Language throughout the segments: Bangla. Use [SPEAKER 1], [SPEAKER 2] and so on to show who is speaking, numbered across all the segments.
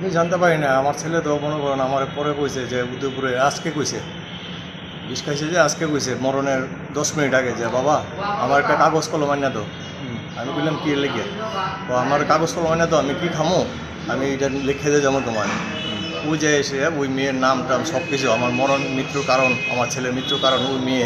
[SPEAKER 1] আমি জানতে পারি না, আমার ছেলে তো মনে করেন আমার পরে কইছে যে উদয়পুরে আজকে কইছে, বিষ খাইছে যে আজকে কইছে মরণের 10 মিনিট আগে যে বাবা আমার একটা কাগজ কলম আনিয়া দাও। আমি বললাম কি লিখে, তো আমার কাগজ কলম আনিয়া দাও, আমি কি খামো, আমি এটা লিখে দিয়ে যাবো তোমার। ওই যে এসে ওই মেয়ের নাম টাম সব কিছু, আমার মরণ মৃত্যুর কারণ, আমার ছেলের মৃত্যুর কারণ,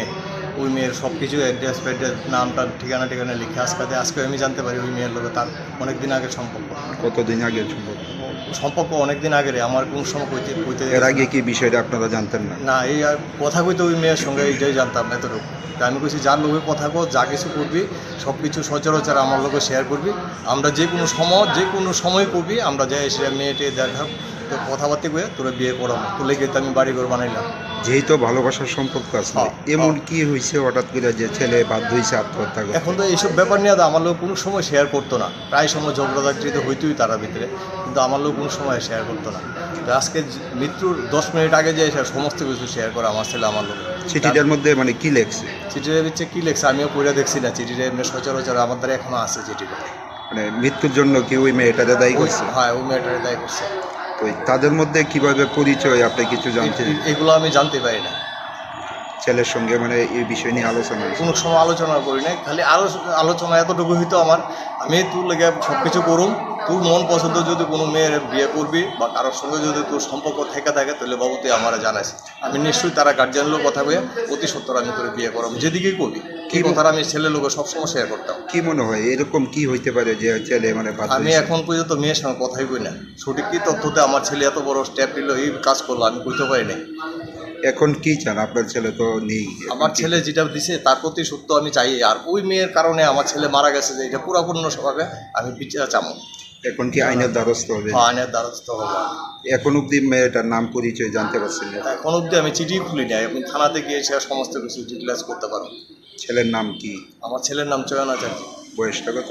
[SPEAKER 1] ওই মেয়ের সব কিছু অ্যাড্রেস ফ্যাড্রেস নাম টাম ঠিকানা লিখে আজকে আমি জানতে পারি ওই মেয়ের লোকে তার অনেক দিন আগের সম্পর্ক।
[SPEAKER 2] কতদিন আগে
[SPEAKER 1] সম্পর্ক অনেক দিন আগের, আমার কোন সময় কইতে
[SPEAKER 2] এর আগে কি বিষয়টা আপনারা জানতেন না?
[SPEAKER 1] না, এই আর কথা কইতে ওই মেয়ের সঙ্গে এইটাই জানতাম এতটুকু। তা আমি কইছি যার লোকে কথা কো, যা কিছু করবি সব কিছু সচরাচর আমার লোকে শেয়ার করবি, আমরা যে কোনো সময় করবি, আমরা যাই এসে মেয়েটে দেখা তো কথাবার্তা কয়ে তোরা বিয়ে করাবো, তুলে গিয়ে আমি বাড়ি ঘর বানাইলাম।
[SPEAKER 2] যেহেতু ভালোবাসার সম্পর্ক আছে, এমন কি হয়েছে হঠাৎ করে যে ছেলে বাধ্য হয়েছে আত্মহত্যা করতে?
[SPEAKER 1] এখন তো এইসব ব্যাপার নিয়ে আমার লোক কোনো সময় শেয়ার করতো না, প্রায় সময় ঝগড়াঝাটি তো হইতোই তারা ভিতরে, কিন্তু আমার লোক কোনো সময় শেয়ার করতো না। তো আজকে মৃত্যুর 10 মিনিট আগে যে সমস্ত কিছু শেয়ার করে আমার ছেলে আমার লোক।
[SPEAKER 2] চিঠিটার মধ্যে মানে কি লেখছে?
[SPEAKER 1] চিঠিটা হচ্ছে কি লেখছে আমিও পড়ে দেখছি না, চিঠিটা এমনি সচরাচর আমার দ্বারা এখনো আছে চিঠিটা।
[SPEAKER 2] মানে মৃত্যুর জন্য কি ওই মেয়েটারে দায়ী করছে?
[SPEAKER 1] হ্যাঁ, ওই মেয়েটারে দায়ী করছে।
[SPEAKER 2] তো তাদের মধ্যে কিভাবে পরিচয় আপনি কিছু জানতেন?
[SPEAKER 1] এগুলো আমি জানতে পারি না।
[SPEAKER 2] ছেলের সঙ্গে মানে এই বিষয় নিয়ে আলোচনা
[SPEAKER 1] কোনো সময় আলোচনা করি নাই, খালি আলোচনা এতটুকু হইতো আমার, আমি তোর লেগে সব কিছু করুম, তোর মন পছন্দ যদি কোনো মেয়ের বিয়ে করবি বা কারোর সঙ্গে যদি তোর সম্পর্ক থেকে থাকে তাহলে বাবু তুই আমার জানাস, আমি নিশ্চয়ই তারা গার্জিয়ান কথা বলে অতি সত্তর আমি তোর বিয়ে করবো, যেদিকেই করবি কি কথাটা আমি ছেলে লোক সবসময় শেয়ার করতাম।
[SPEAKER 2] কি মনে হয় এরকম কি হইতে পারে যে ছেলে মানে
[SPEAKER 1] আমি এখন পর্যন্ত মেয়ের সঙ্গে কথাই কই না, সঠিক কি তথ্যতে আমার ছেলে এত বড় স্টেপ নিল, এই কাজ করলো আমি কইতে পারি নাই।
[SPEAKER 2] এখন কি চান? আপনার ছেলে তো নেই,
[SPEAKER 1] আমার ছেলে যেটা দিছে তার প্রতি সত্য আমি চাই, আর ওই মেয়ের কারণে আমার ছেলে মারা গেছে যে এটা পুরাপূর্ণ স্বভাবে আমি বিচার চামো।
[SPEAKER 2] এখন কি আইনের দ্বারস্থ হবে?
[SPEAKER 1] আইনের দ্বারস্থ হবো।
[SPEAKER 2] এখন অব্দি মেয়েটার নাম পরিচয় জানতে পারছেন না?
[SPEAKER 1] এখন অব্দি আমি চিঠি খুলি নাই, আমি থানাতে গিয়ে সে সমস্ত কিছু ডিটেলস করতে পারবো।
[SPEAKER 2] ছেলের নাম কি?
[SPEAKER 1] আমার ছেলের নাম চয়ন আচার্য।
[SPEAKER 2] বয়সটা কত?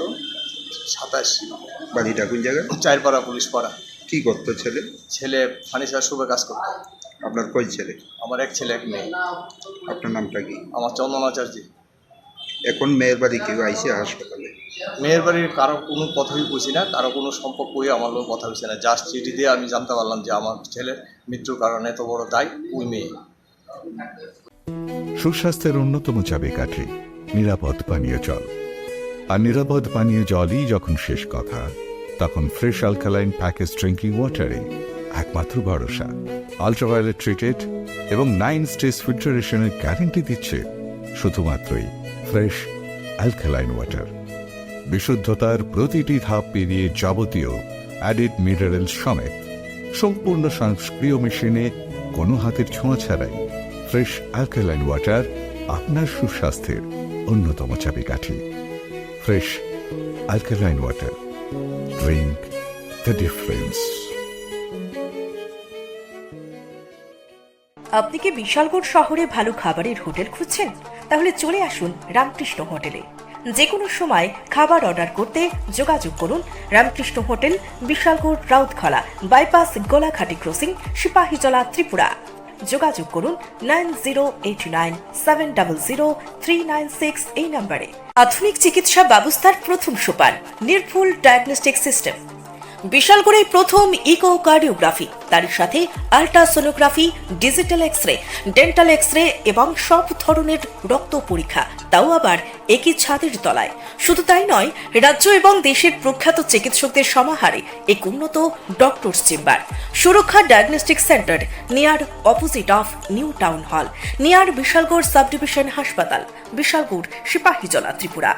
[SPEAKER 1] 27।
[SPEAKER 2] বাড়িটা কোন জায়গায়?
[SPEAKER 1] চারপাড়া, পুলিশ পাড়া।
[SPEAKER 2] কি করতো ছেলে?
[SPEAKER 1] ছেলে ফার্নিচার শুভে কাজ করতো।
[SPEAKER 2] আপনার কয় ছেলে?
[SPEAKER 1] আমার এক ছেলে এক মেয়ে।
[SPEAKER 2] আপনার নামটা কি?
[SPEAKER 1] আমার চন্দন আচার্য।
[SPEAKER 2] এখন মেয়ের বাড়ি কেউ আইসে হাসপাতালে?
[SPEAKER 1] মেয়ের বাড়ির কারো কোনো কথাই বুঝি না, কারো কোনো সম্পর্ক হয়ে আমার লোক কথা হয়েছে না, জাস্ট চিঠি দিয়ে আমি জানতে পারলাম যে আমার ছেলের মৃত্যুর কারণে এত বড় দায় ওই মেয়ে।
[SPEAKER 3] সুস্বাস্থ্যের অন্যতম চাবিকাঠি নিরাপদ পানীয় জল। আর নিরাপদ পানীয় জলই যখন শেষ কথা, তখন ফ্রেশ অ্যালকালাইন প্যাকেজ ড্রিঙ্কিং ওয়াটারে একমাত্র ভরসা। আল্ট্রাভায়োলেট ট্রিটেড এবং 9 স্টেজ ফিল্টারেশনের গ্যারেন্টি দিচ্ছে শুধুমাত্রই ফ্রেশ অ্যালকালাইন ওয়াটার। বিশুদ্ধতার প্রতিটি ধাপ পেরিয়ে যাবতীয় অ্যাডিড মিনারেল সমেত সম্পূর্ণ স্বয়ংক্রিয় মেশিনে কোনো হাতের ছোঁয়া ছাড়াই ফ্রেশ অ্যালকালাইন ওয়াটার আপনার সুস্বাস্থ্যের অন্যতম চাবিকাঠি। Fresh alkaline water, drink the difference.
[SPEAKER 4] আপনি কি বিশালগড় শহরে ভালো খাবারের হোটেল খুঁজছেন? তাহলে চলে আসুন রামকৃষ্ণ হোটেলে। যে কোনো সময় খাবার অর্ডার করতে যোগাযোগ করুন Ramakrishna hotel, Bishalgarh, Rautkhala bypass, Golaghati crossing, Sepahijala, Tripura. যোগাযোগ করুন 9089700396 এই নম্বরে। আধুনিক চিকিৎসা ব্যবস্থার প্রথম সোপান নির্ভুল ডায়াগনস্টিক সিস্টেম। বিশালগড়ে প্রথম ইকোকার্ডিওগ্রাফি, তার সাথে ultrasonography, digital x ray, dental x ray এবং সব ধরনের রক্ত পরীক্ষা, তাও আবার একই ছাদের তলায়। শুধু তাই নয়, রাজ্য এবং দেশের প্রখ্যাত চিকিৎসকদের সমাহারে এক উন্নত doctors chamber. Suraksha diagnostic centre, near opposite of new town hall, near Bishalgarh sub division হাসপাতাল, Bishalgarh, Sepahijala, Tripura.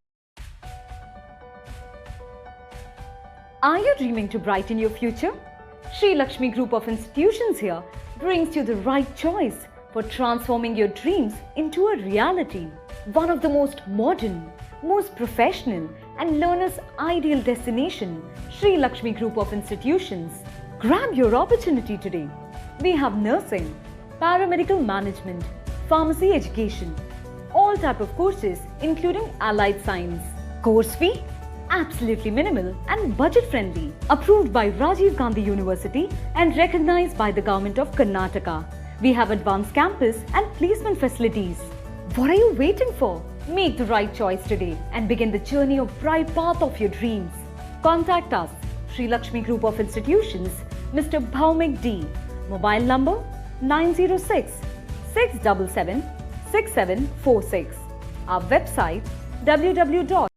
[SPEAKER 5] Are you dreaming to brighten your future? Sri Lakshmi Group of Institutions here brings you the right choice for transforming your dreams into a reality. One of the most modern, most professional and learners' ideal destination, Sri Lakshmi Group of Institutions. Grab your opportunity today. We have nursing, paramedical management, pharmacy education, all type of courses including allied science. Course fee? Absolutely minimal and budget friendly. Approved by Rajiv Gandhi University and recognized by the Government of Karnataka. We have advanced campus and placement facilities. What are you waiting for? Make the right choice today and begin the journey of bright path of your dreams. Contact us, Sri Lakshmi Group of Institutions, Mr. Bhaumik D. Mobile number 906 677 6746. Our website www.